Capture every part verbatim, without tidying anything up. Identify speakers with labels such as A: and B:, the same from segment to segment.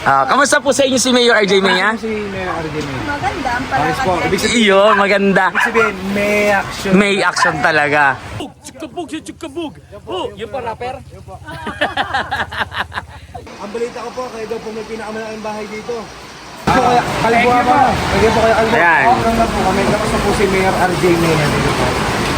A: Ah, kamusta po sa inyo si Mayor R J Mea?
B: Si Mayor R J Mea.
C: Maganda ang
B: Paris po. Ibig sabihin,
A: Iyon, maganda.
B: ibig sabihin, may action.
A: May action talaga.
D: Chukabog si Chukabog. Oh, yung pa rapper.
B: Ang balita ko po, kayo daw po may pinakamalaking bahay dito. Ito kaya, kalbo ako. Kaya po kaya kalbo.
A: Ayan.
B: Ako lang po kami. Tapos na po si Mayor R J Mea dito po.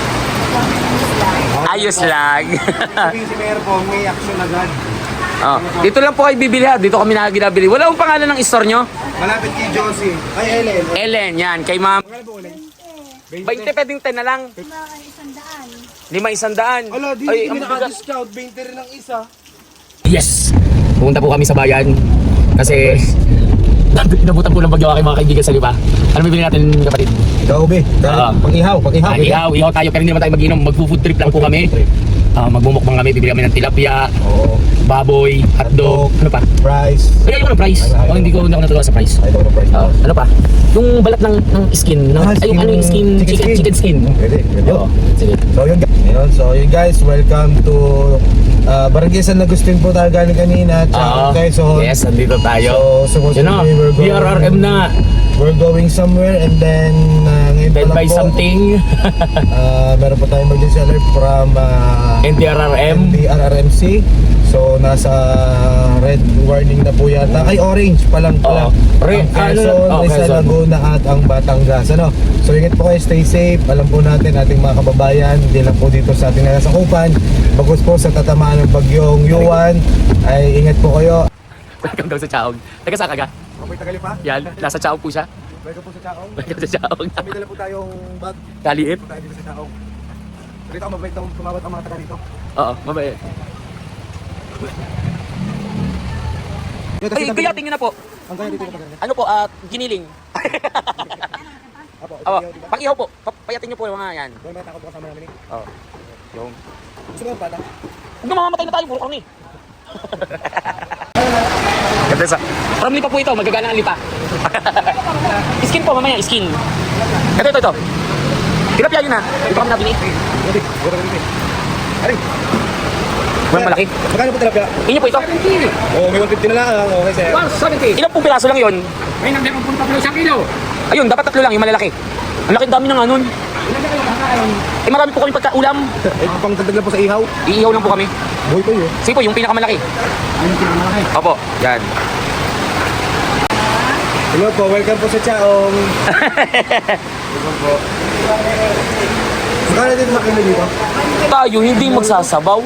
A: Ayos lang.
B: Sabihin si Mayor po, may action agad.
A: Oh, dito lang po kayo bibili ha. Dito kami nakaginabili. Wala akong pangalan ng store nyo.
B: Malapit kay Josie. Ay, Ellen.
A: Ellen, yan. Kay ma'am.
B: Magkano po ulit?
A: twenty, pwedeng ten na lang.
C: Mga isang daan.
A: Lima isang daan.
B: Ala, di
A: Ay,
B: hindi
A: ang bigat.
B: naka-discount. twenty rin ang isa.
A: Yes! Pumunta po kami sa bayan. Kasi inabutan po ng bagyo aking mga kaibigan sa liba. Ano bibili natin, kapatid?
B: Ikaw, be.
A: Ah.
B: Pag-ihaw, pag-ihaw.
A: Ah, ihaw, ihaw tayo pero hindi naman tayo mag-inom. Mag-food trip lang po kami. Ah, magmumukbang kami, bibili kami ng tilapia,
B: Oo.
A: baboy, hotdog, ano pa?
B: Price.
A: Ay, ayoko ng price. O, hindi ko, hindi ako natutuwa sa price.
B: Ay, ito price.
A: Ah, ano pa? Yung balat ng, ng skin. Ng,
B: Ah,
A: ay, yung
B: skin-
A: ano yung skin,
B: chicken
A: chicken,
B: skin.
A: chicken skin.
B: Pwede, pwede.
A: Oo, sige.
B: So yun, yun, so yun guys, welcome to uh, Barangay San Agustin po tayo galing kanina.
A: Oo.
B: Okay, so
A: Yes, andito tayo.
B: So, supposed
A: Yun
B: to
A: o,
B: be we're
A: B
B: going,
A: R R M na.
B: we're going somewhere and then uh, ngayon pa
A: Then
B: lang
A: buy
B: po,
A: something.
B: uh, meron po tayong emergency alert from uh,
A: N D R R M.
B: N D R R M C. So nasa red warning na po yata. Ay, orange pa lang pala.
A: Oo. Re-
B: Ang Quezon,
A: ano- oh,
B: Rizal,
A: Quezon.
B: Laguna at ang Batangas. Ano? So ingat po kayo, stay safe. Alam po natin ating mga kababayan, hindi lang po dito sa ating nasakupan. Bagos po sa tatamaan ng bagyong Yuan, ay ingat po kayo.
A: Welcome daw sa Chaog. Taga saan ka ga?
B: Okay, tagali pa.
A: Yan, nasa Chaog po siya.
B: Welcome po sa Chaong.
A: Welcome sa Chaog.
B: May dala po tayong bag.
A: Kaliit.
B: Po tayo dito sa Chaong. Dito ako mabait akong tumawat ang mga taga dito.
A: Oo, mabait. Ay, kaya tingin na po.
B: Ang kaya dito yung taga.
A: Ano po, at giniling.
B: Apo,
A: Apo,
B: ito yung
A: pang ihaw po. Pa- Payatin niyo po yung mga yan.
B: Doon may takot po kasama namin eh.
A: Oo. Yung.
B: Gusto mo yung bata?
A: Huwag na mamamatay na tayo, puro kami. Ganda sa. From lipa po ito, magagana ang lipa. Skin po, mamaya, skin. Ito, ito, ito. Tilapia yun ha. Ito kami nabili.
B: Hindi, wala ka dito. Aray!
A: Walang malaki.
B: Magkano po tilapia?
A: Inyo po ito.
B: Oo, may one fifty na lang. Okay, sir.
D: one seventy.
A: Ilang pong piraso lang yun?
D: May nang limang punta isang kilo.
A: Ayun, dapat tatlo lang, yung malalaki. Ang laki dami ng anon.
D: Ilan na kayo kakain?
A: Eh marami po kami pagkaulam.
B: Eh, pang dagdag lang po sa ihaw.
A: Iihaw lang po kami.
B: Buhay pa yun.
A: Sige po, yung pinakamalaki.
D: Ano yung pinakamalaki?
A: Opo, yan.
B: Hello po, welcome po sa Chaong. Welcome po. Magkano din makilo dito?
A: Tayo hindi magsasabaw.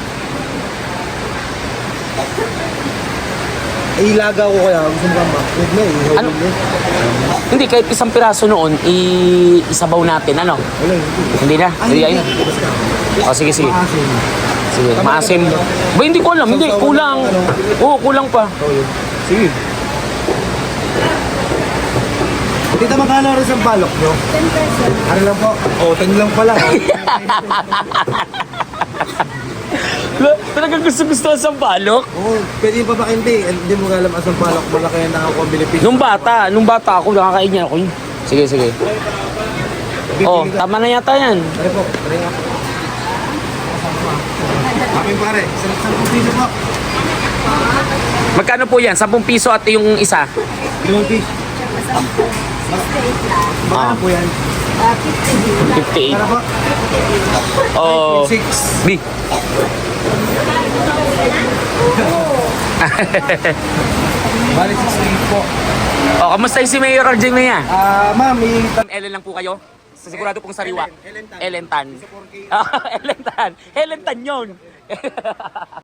B: Eh, ilaga ko kaya. Gusto mo ka ba? Wait na, ihaw
A: Ano?
B: din.
A: Hindi, kahit isang piraso noon, i- isabaw natin, ano?
B: Wala, hindi.
A: Hindi na, hindi ayun.
B: Basta.
A: O, sige, sige.
B: Maasim.
A: Sige, maasim. Ba, hindi ko alam, hindi, kulang. Oo, kulang pa.
B: Ito yun. Sige. Tita, magkano rin sa balok nyo?
C: ten pesos.
B: Ano lang po? Oh, ten lang pala.
A: Talagang gusto-gusto sa balok.
B: Oo, pwede yung papakindi. Hindi mo alam asang balok. Malaki yan nakakuha ang Pilipino.
A: Nung bata, nung bata ako, nakakain niya ako. yun. Sige, sige. Oh, tama na yata yan.
B: Try po, try nga po. Aking pare, sarap sa piso po.
A: Magkano po yan? Sampung piso at yung isa.
B: Limang piso. Magkano
A: Ah.
B: po yan?
C: Ah, fifty.
A: fifty-eight.
B: Para po?
A: Oh,
B: Six.
A: B.
B: Bali, sixty-eight po.
A: Oh, kamusta yung si Mayor R J Mea?
B: Ah, ma'am, may...
A: Ellen lang po kayo? Sa sigurado pong sariwa.
B: Ellen, Ellen Tan.
A: Ellen Tan.
B: Isa four K.
A: Ah, Ellen Tan. Ellen Tan yun.